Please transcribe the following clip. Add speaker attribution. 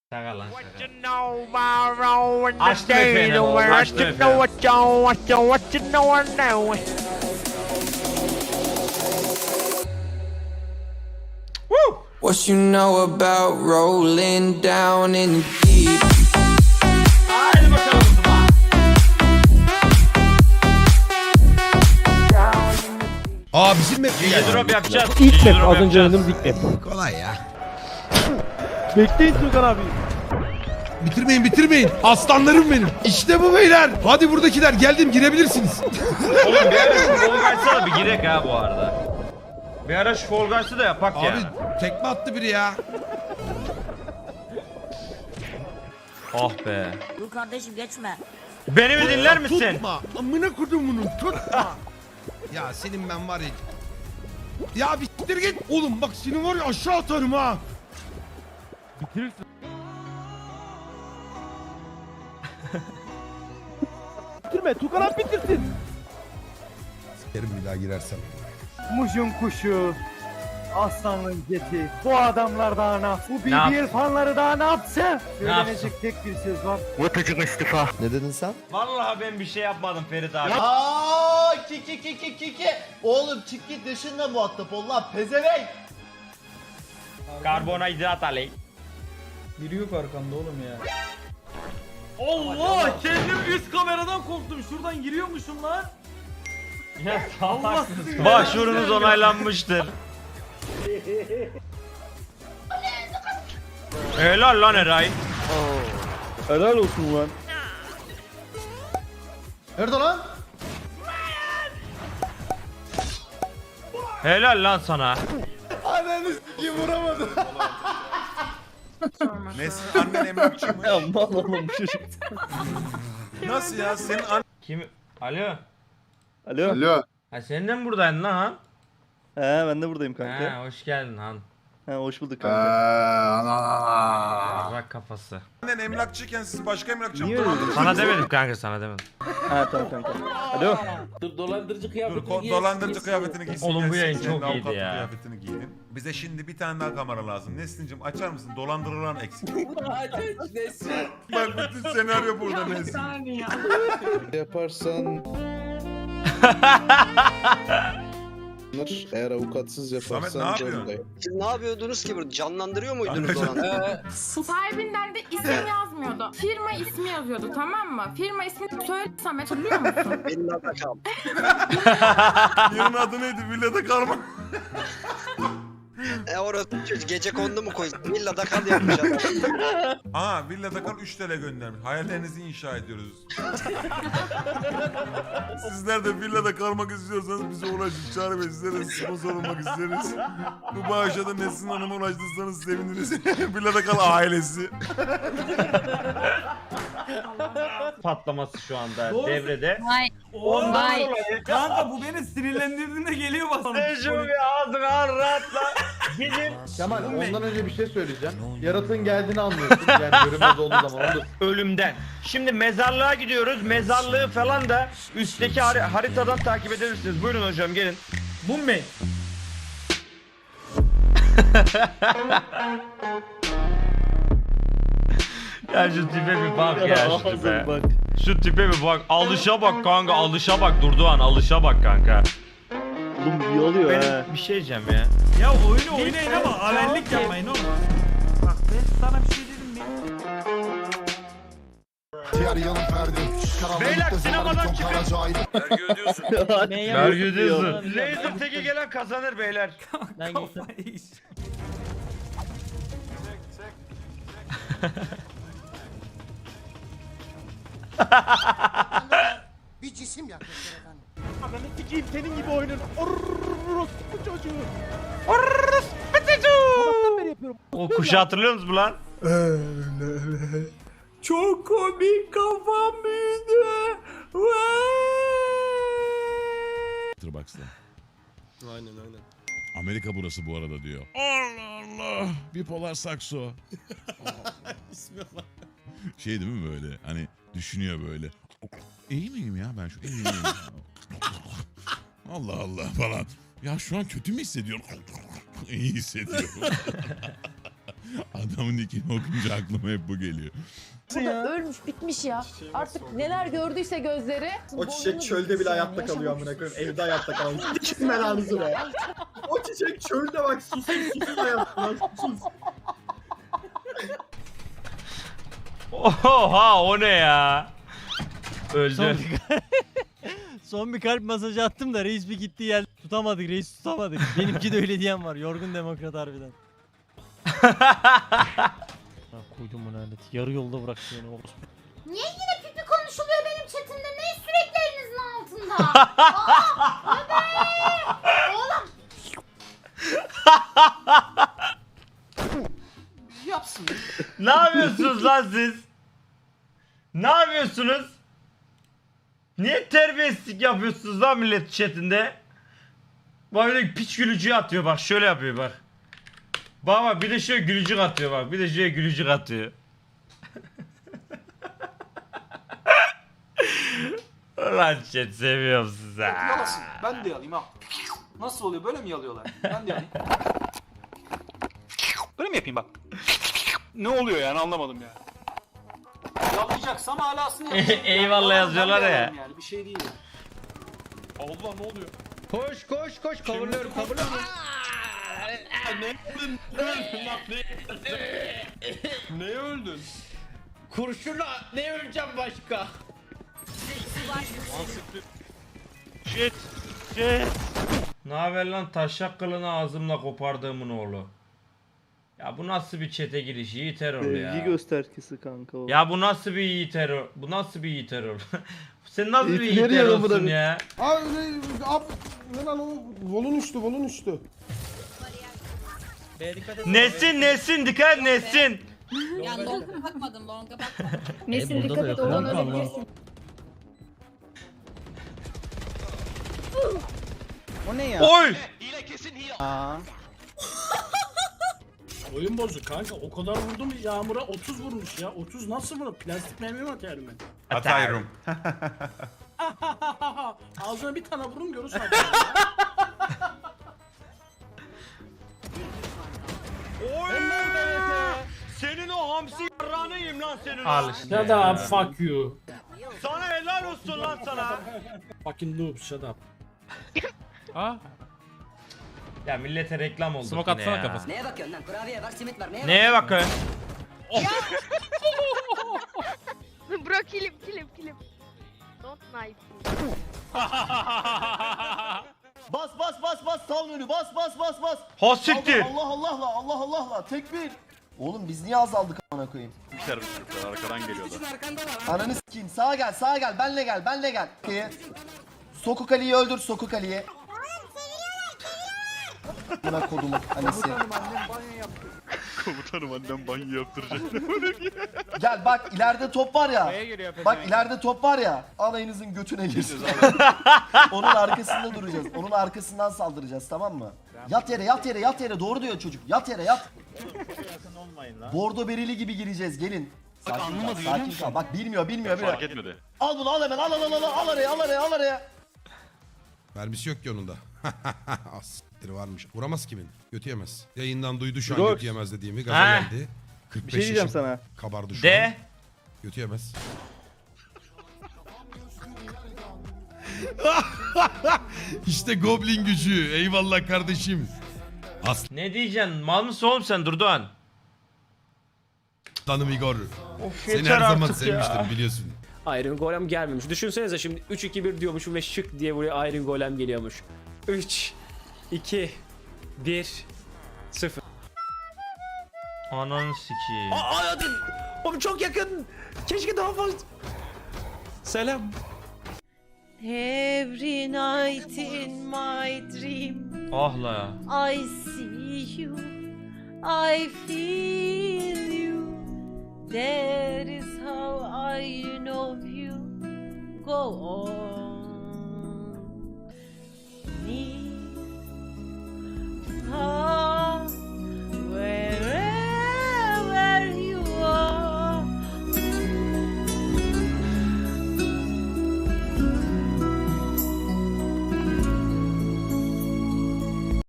Speaker 1: Şaka lan
Speaker 2: What
Speaker 1: şaka.
Speaker 2: you know about rolling the
Speaker 1: Açtım efendim,
Speaker 2: day,
Speaker 1: oğlum,
Speaker 2: what
Speaker 1: açtım
Speaker 2: you know,
Speaker 1: efendim.
Speaker 2: what you know, I know. Woo!
Speaker 3: What you know about rolling down in the deep?
Speaker 1: Haydi bakalım Zıba.
Speaker 4: Bizim map mi geldi?
Speaker 1: Drop yapacağız.
Speaker 5: İlk
Speaker 1: Gigi
Speaker 5: map
Speaker 1: drop
Speaker 5: az önce
Speaker 1: yapacağız.
Speaker 5: oynadığımız ilk map.
Speaker 4: Kolay ya.
Speaker 5: Bekleyin Tugan abi.
Speaker 4: Bitirmeyin. Aslanlarım benim. İşte bu beyler. Hadi buradakiler geldim girebilirsiniz.
Speaker 1: Oğlum bir ara şu Fall Guys'a da bir girek ha bu arada. Bir ara şu Fall Guys'ı da yapak
Speaker 4: Abi
Speaker 1: ya.
Speaker 4: tekme attı biri ya.
Speaker 1: Oh be.
Speaker 6: Dur kardeşim geçme.
Speaker 1: Beni mi dinler misin?
Speaker 4: Tutma. Amına kodum bunu tutma. Ya senin ben var ya. Ya bitir git. Oğlum bak seni var ya aşağı atarım ha.
Speaker 5: Bitirme Tugan abi bitirsin.
Speaker 4: Sikerim bir daha girersem.
Speaker 5: Muş'un kuşu. Aslanın geti. Bu adamlar daha ne yapsın? Bu
Speaker 1: Ne
Speaker 5: BBL fanları daha ne yapsın?
Speaker 1: yapsın?
Speaker 5: Söylenecek tek bir söz var.
Speaker 7: Ne dedin sen?
Speaker 1: Vallahi ben bir şey yapmadım Ferit abi.
Speaker 7: Aa, ki. Oğlum çık git dışında muhatap ol lan pezevenk.
Speaker 1: Karbonhidrat aley.
Speaker 8: Biri yok arkanda oğlum ya.
Speaker 5: Allah! Kendim üst kameradan korktum. Şuradan giriyormuşum lan.
Speaker 1: Ya
Speaker 5: Allah
Speaker 1: salaksınız.
Speaker 5: sizi
Speaker 1: Başvurunuz onaylanmıştır. Helal lan Eray.
Speaker 5: Helal olsun lan.
Speaker 7: Nerede lan?
Speaker 1: Helal lan sana.
Speaker 7: Ananı s***yi vuramadım.
Speaker 9: Nesin annen emlakçıymış.
Speaker 5: Ya mal oğlum çocuk.
Speaker 9: Nasıl ya senin annen...
Speaker 1: Kim? Alo.
Speaker 5: Alo.
Speaker 1: Ha sen de mi buradaydın lan Han?
Speaker 5: He ben de buradayım kanka.
Speaker 1: Ha hoş geldin Han.
Speaker 5: He hoş bulduk kanka.
Speaker 1: Bak kafası.
Speaker 9: Annen emlakçıyken siz başka emlakçı mı
Speaker 5: Niye öyle
Speaker 9: dolandırıcı?
Speaker 1: Sana demedim kanka sana demedim.
Speaker 5: Ha tamam kanka. Alo.
Speaker 9: Dur dolandırıcı kıyafetini giysin.
Speaker 1: Oğlum bu
Speaker 9: gelsin,
Speaker 1: yayın
Speaker 9: senin
Speaker 1: çok iyiydi
Speaker 9: avukatlık
Speaker 1: ya.
Speaker 9: Kıyafetini giydin. Bize şimdi bir tane daha kamera lazım. Neslincim açar mısın? Dolandırılan eksik. Bak bütün senaryo burada Nesin.
Speaker 7: Yaparsan... Eğer avukatsız yaparsan...
Speaker 9: Samet, ne yapıyorsun?
Speaker 7: canındayım.
Speaker 10: Siz ne yapıyordunuz ki burada? Canlandırıyor muydunuz o an?
Speaker 11: Sahibinden de isim yazmıyordu. Firma ismi yazıyordu, tamam mı? Firma ismini söylesem hatırlıyor musun?
Speaker 10: Benim adı kal.
Speaker 9: Yerin adı neydi? Villada karma.
Speaker 10: Orası çocuk gece kondu mu koydun? Villada kal yapmış adam.
Speaker 9: Aa villada kal 3 TL göndermiş. Hayallerinizi inşa ediyoruz. Sizler de villada kalmak istiyorsanız bize ulaşın. Çağrı Bey sizlere sponsor olmak isteriz. Bu bağışa da Nesin Hanım'a ulaştırsanız seviniriz. Villada kal ailesi.
Speaker 1: Patlaması şu anda
Speaker 8: Doğru.
Speaker 1: devrede.
Speaker 6: Vay.
Speaker 1: Ondan
Speaker 6: Vay.
Speaker 1: dolayı.
Speaker 8: Kanka bu beni sinirlendirdiğinde geliyor bana.
Speaker 1: Şu bir ağzına rahatla. Gidin.
Speaker 7: Kemal ondan önce bir şey söyleyeceğim. Yaratığın geldiğini anlıyorsun. Yani görünmez olduğu zaman onu
Speaker 1: Ölümden. Şimdi mezarlığa gidiyoruz. Mezarlığı falan da üstteki haritadan takip edebilirsiniz. Buyurun hocam gelin.
Speaker 8: Mummi.
Speaker 1: Ya şu tipe bir bak ya şu tipe.
Speaker 5: Bak.
Speaker 1: Şu tipe bir bak. Alışa bak kanka. Alışa bak Durduğan. Alışa bak kanka.
Speaker 5: Oğlum iyi oluyor ha.
Speaker 1: Benim bir şey diyeceğim ya.
Speaker 8: Ya oyunu oynayın ama avellik yapmayın oğlum. Bak ben sana bir şey dedim mi?
Speaker 1: Beyler sinemadan çıkın. Vergi ödüyorsun. Laser teki gelen kazanır beyler.
Speaker 8: Kafayı iş.
Speaker 7: bir cisim yaklaşır efendim.
Speaker 5: Ananı sikeyim senin gibi oyunun. Orospu çocuğu. Sabahtan beri yapıyorum.
Speaker 1: O kuşu hatırlıyor musunuz lan?
Speaker 8: Çok komik kafam büyüdü.
Speaker 9: Box'ta. Aynen. Amerika burası bu arada diyor. Allah Allah. Bipolar sakso. İsmi var. Şey değil mi böyle? Hani düşünüyor böyle. İyi miyim ya ben şu iyiyim. Allah Allah falan. Ya şu an kötü mü hissediyorum? İyi hissediyorum. Adamın nickini okunca aklıma hep bu geliyor.
Speaker 11: Ölmüş bitmiş ya. Artık neler gördüyse gözleri.
Speaker 7: O çiçek çölde bile hayatta kalıyor amına koyayım. Evde hayatta kalmış. Kim belanızı be. O çiçek çölde bak susun hayatta. Susun.
Speaker 1: Oha o ne ya? Öldü.
Speaker 5: Son bir kalp masajı attım da reis bir gitti geldi. Tutamadık reis tutamadık. Benimki de öyle diyen var. Yorgun demokrat harbiden. Ha, koydum bunu alet. Yarı yolda bıraktı beni.
Speaker 11: Niye yine pipi konuşuluyor benim chatimde? Ne sürekli elinizin altında? Aa, ne be? Oğlum.
Speaker 1: Ne yapıyorsunuz lan siz? Ne yapıyorsunuz? Niye terbiyesizlik yapıyorsunuz lan millet chatinde? Bak öyle piç gülücüğü atıyor bak şöyle yapıyor bak. Bak bir de şöyle gülücük atıyor bak bir de şöyle gülücük atıyor. Ulan chat seviyorum sizi.
Speaker 5: Yalasın. Ben de yalayım ha. Nasıl oluyor? Böyle mi yalıyorlar? Ben de yalayım. Böyle mi yapayım bak? Ne oluyor yani anlamadım ya. Yalayacaksam alasını yapayım.
Speaker 1: Eyvallah yazıyorlar ya.
Speaker 5: Yani bir şey değil. Allah ne oluyor?
Speaker 1: Koş koş koş kavurluyorum kavurluyorum.
Speaker 5: Neye öldün?
Speaker 1: Kurşunla ne öleceğim başka?
Speaker 2: Shit. Shit.
Speaker 1: Ne haber lan taşak kılını ağzımla kopardığımın oğlu. Ya bu nasıl bir çete giriş? İyi terör ya.
Speaker 5: göstergesi kanka o.
Speaker 1: Ya bu nasıl bir iyi terör? Bu nasıl bir iyi terör? Sen nasıl bir iyi terörsün ya?
Speaker 4: Ne lan o? Volun üstü.
Speaker 1: Nesin dikkat et Nesin.
Speaker 11: Ya longa bakmadım.
Speaker 5: Nesin dikkat et oradan ölebilirsin. O ne ya?
Speaker 1: Oy!
Speaker 8: Oyun bozuk kanka. O kadar vurdum Yağmur'a 30 vurmuş ya. 30 nasıl vurur? Plastik mermi mi atar mı?
Speaker 1: Atarım.
Speaker 8: Ağzına bir tane vurun görürsün.
Speaker 1: Oy! Senin o hamsi yarrağını yiyeyim lan senin. Al işte.
Speaker 8: Shut up, fuck you.
Speaker 1: Sana helal olsun lan sana.
Speaker 8: Fucking noob, shut up.
Speaker 1: Ya millete reklam oldu
Speaker 2: Smoke
Speaker 1: yine
Speaker 2: atsana
Speaker 1: ya.
Speaker 2: kafasına.
Speaker 10: Neye bakıyorsun lan? Kurabiye var, simit var.
Speaker 1: Neye bakıyorsun?
Speaker 11: Bro kilim. Don't knife.
Speaker 7: Bas sal önü bas.
Speaker 1: Ha siktir.
Speaker 7: Allah. Tekbir. Oğlum biz niye azaldık amına koyayım?
Speaker 2: Arkadan geliyorlar.
Speaker 7: Ananı sikeyim. Sağa gel. Benle gel. Sokuk Ali'yi öldür. Sokuk Ali'yi. Buna kodumun annesi.
Speaker 2: Komutanım annem banyo yaptıracak.
Speaker 7: Gel bak ileride top var ya. Bak ileride top var ya. Alayınızın götüne girsin. Onun arkasında duracağız. Onun arkasından saldıracağız tamam mı? Yat yere. Doğru diyor çocuk. Yat yere. Bordo berili gibi gireceğiz. Gelin. Sakin kal. Bak bilmiyor.
Speaker 2: Fark etmedi.
Speaker 7: Al bunu al hemen. Al araya.
Speaker 4: Mermisi yok ki onun da. Siktir varmış. Vuramaz kimin? Götü yemez. Yayından duydu şu an götü yemez dediğimi. Gaza
Speaker 1: Ha.
Speaker 4: geldi. 45 yaşım sana. Kabardı şu an.
Speaker 1: De.
Speaker 4: Götü yemez. İşte Goblin gücü. Eyvallah kardeşim.
Speaker 1: Ne diyeceksin? Mal mısın oğlum sen Durdoğan?
Speaker 4: Aslanım Igor.
Speaker 1: Of
Speaker 4: Seni
Speaker 1: yeter
Speaker 4: her zaman
Speaker 1: artık
Speaker 4: sevmiştim
Speaker 1: ya.
Speaker 4: biliyorsun.
Speaker 5: Iron Golem gelmemiş. Düşünsenize şimdi 3-2-1 diyormuşum ve şık diye buraya Iron Golem geliyormuş. 3, 2, 1, 0.
Speaker 1: Ananı sikeyim.
Speaker 5: Hadi. Oğlum çok yakın. Keşke daha fazla. Selam.
Speaker 11: Every night in my dream
Speaker 1: Ah la.
Speaker 11: I see you, I feel you. That is how I know you. Go on.